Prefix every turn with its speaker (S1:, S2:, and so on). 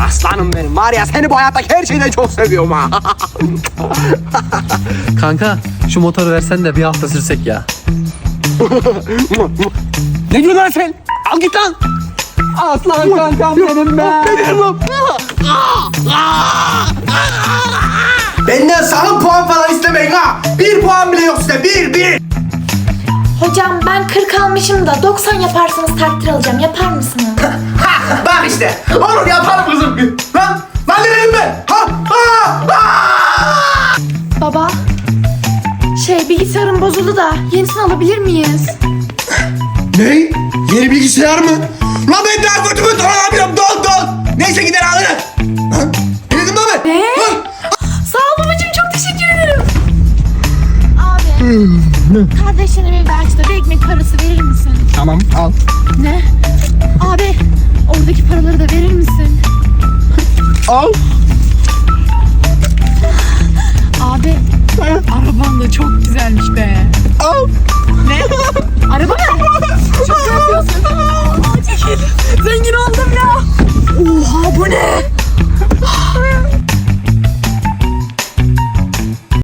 S1: Aslanım benim. Var ya seni bu hayattaki her şeyden çok seviyorum ha.
S2: Kanka şu motoru versen de bir hafta sürsek ya.
S1: Ne diyorsun lan sen? Al git lan.
S2: Aslan kankam benim be.
S1: Benden sakın puan falan istemeyin ha. 1 puan bile yok size. 1.
S3: Hocam ben 40 almışım da 90 yaparsanız takdir alacağım. Yapar mısınız?
S1: Bak işte. Olur yaparım kızım. Lan nereyim ben?
S3: Baba, bilgisayarım bozuldu da yenisini alabilir miyiz?
S1: Ne? Yeni bilgisayar mı? Lan ben daha kötü alabilirim. Don. Neyse gider alırım. Lan ne dedim lan ben?
S3: Ne?
S1: Lan.
S3: Sağ ol babacığım, çok teşekkür ederim. Abi, kardeşlerime bir açta bir ekmek parası verir misin?
S1: Tamam al.
S3: Ne? Abi, oradaki paraları da verir misin?
S1: Al.